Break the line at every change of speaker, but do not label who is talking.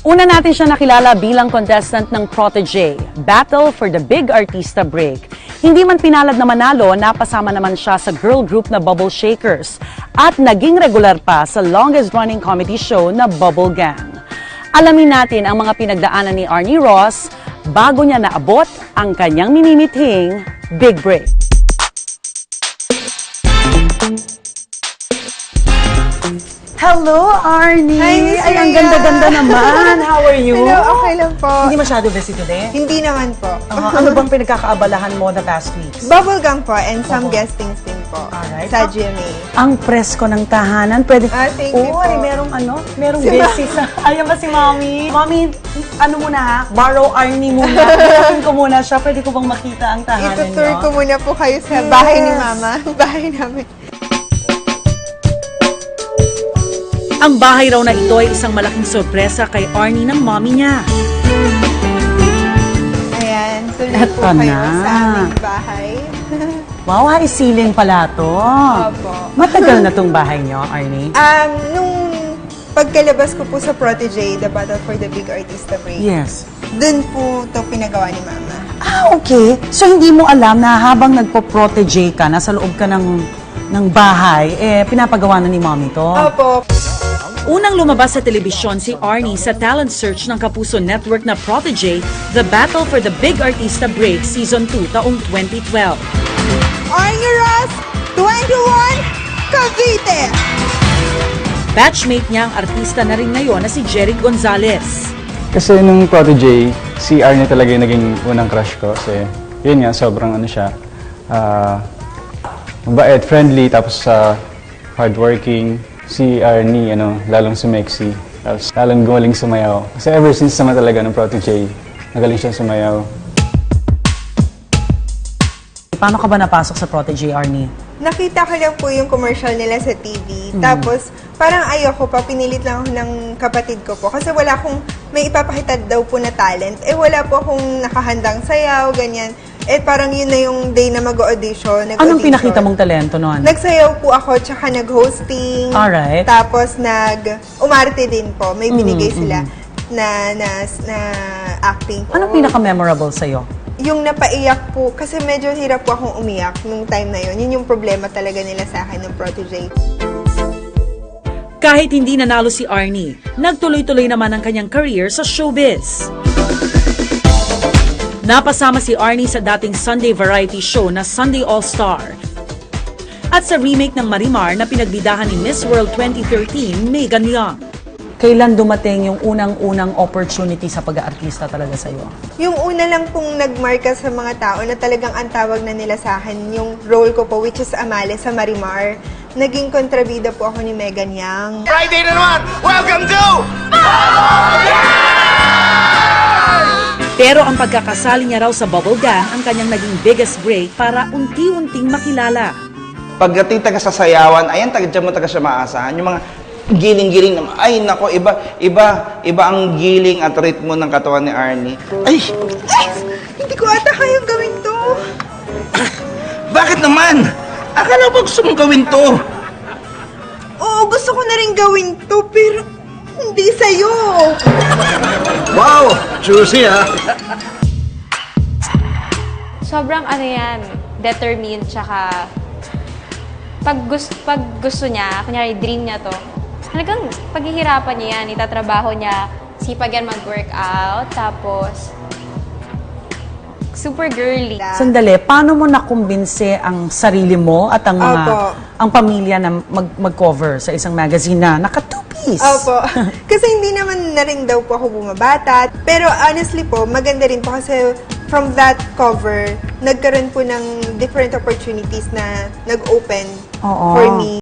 Una natin siya nakilala bilang contestant ng Protégé, Battle for the Big Artista Break. Hindi man pinalad na manalo, napasama naman siya sa girl group na Bubble Shakers at naging regular pa sa longest-running comedy show na Bubble Gang. Alamin natin ang mga pinagdaanan ni Arnie Ross bago niya naabot ang kanyang minimithing Big Break. Hello, Arnie!
Hi, Miss
Ay, ang
Rhea.
ganda-ganda naman! How are you?
Hello, okay lang po.
Hindi masyado busy today?
Hindi naman po.
Ano bang pinagkakaabalahan mo the past weeks?
Bubblegum po and some guestings din po
Alright.
sa GMA.
Ang presko ng tahanan. Pwede...
Thank you po.
Uy, merong
Si
busy sa... Ayan ba si Mommy? Mommy, ano muna ha? Borrow Arnie muna. Pinasin ko muna siya. Pwede ko bang makita ang tahanan niyo?
Itutour ko muna po kayo sa bahay ni Mama. Bahay namin.
Ang bahay raw na ito ay isang malaking sorpresa kay Arnie ng mommy niya.
Ayan, tuloy
Eto
po kayo
na.
sa aming bahay.
Wow, high ceiling pala to.
Opo.
Matagal na tong bahay niyo, Arnie?
Nung pagkalabas ko po sa Protégé, The Battle for the Big Artista Break,
Yes.
dun po ito pinagawa ni Mama.
Ah, okay. So, hindi mo alam na habang nagpo-protege ka, nasa loob ka ng bahay, pinapagawa na ni mommy to?
Opo.
Unang lumabas sa telebisyon si Arnie sa talent search ng Kapuso Network na Protégé, The Battle for the Big Artista Break Season 2 taong 2012.
Arnie Ross, 21, Cavite!
Batchmate niya ang artista na rin ngayon na si Jerry Gonzalez.
Kasi nung Protégé, si Arnie talaga yung naging unang crush ko. Kasi yun nga, sobrang ano siya, mabait, friendly, tapos hardworking. Si Arnie, lalong sumexy, tapos lalong gumaling sumayaw. Kasi ever since naman talaga ng Protégé, nagaling siya sumayaw.
Paano ka ba napasok sa Protégé, Arnie?
Nakita ko lang po yung commercial nila sa TV. Tapos, parang ayoko pa, pinilit lang ako ng kapatid ko po. Kasi wala akong, may ipapakita daw po na talent. Wala po akong nakahandang sayaw, ganyan. Parang yun na yung day na mag-audition.
Anong pinakita mong talento noon?
Nagsayaw po ako, tsaka nag-hosting.
Alright.
Tapos, umarte din po. May binigay sila na acting po.
Anong pinaka-memorable sa'yo?
Yung napaiyak po, kasi medyo hirap po akong umiyak nung time na yun. Yun yung problema talaga nila sa akin ng Protégé.
Kahit hindi nanalo si Arnie, nagtuloy-tuloy naman ang kanyang career sa showbiz. Napasama si Arnie sa dating Sunday variety show na Sunday All-Star. At sa remake ng Marimar na pinagbidahan ni Miss World 2013, Megan Young. Kailan dumating yung unang-unang opportunity sa pag-aartista talaga sa'yo?
Yung una lang pong nagmarka sa mga tao na talagang ang tawag na nila sa akin, yung role ko po, which is Amale sa Marimar. Naging kontrabida po ako ni Megan Young.
Friday na naman! Welcome to...
Pero ang pagkakasali niya raw sa Bubble Gang ang kanyang naging biggest break para unti-unting makilala.
Pagdating taga sa sayawan, ayan, taga mo taga siya maasahan. Yung mga giling-giling naman. Ay, nako, iba ang giling at ritmo ng katawan ni Arnie. Ay,
Hindi ko ata kayang gawin to.
bakit naman? Akala ko gusto mong gawin to.
Oo, gusto ko na rin gawin to, pero hindi sa'yo.
Wow, juicy ha.
Sobrang ano yan, determined, tsaka pag gusto niya, kunyari dream niya to, talagang paghihirapan niya yan, itatrabaho niya, sipag yan mag-workout, tapos super girly.
Sandali, paano mo nakumbinse ang sarili mo at ang mga
Opo.
ang pamilya na mag-cover sa isang magazine na naka-two-piece?
Opo. Kasi hindi naman na rin daw po ako bumabata. Pero honestly po, maganda rin po kasi from that cover, nagkaroon po ng different opportunities na nag-open
Oo.
for me.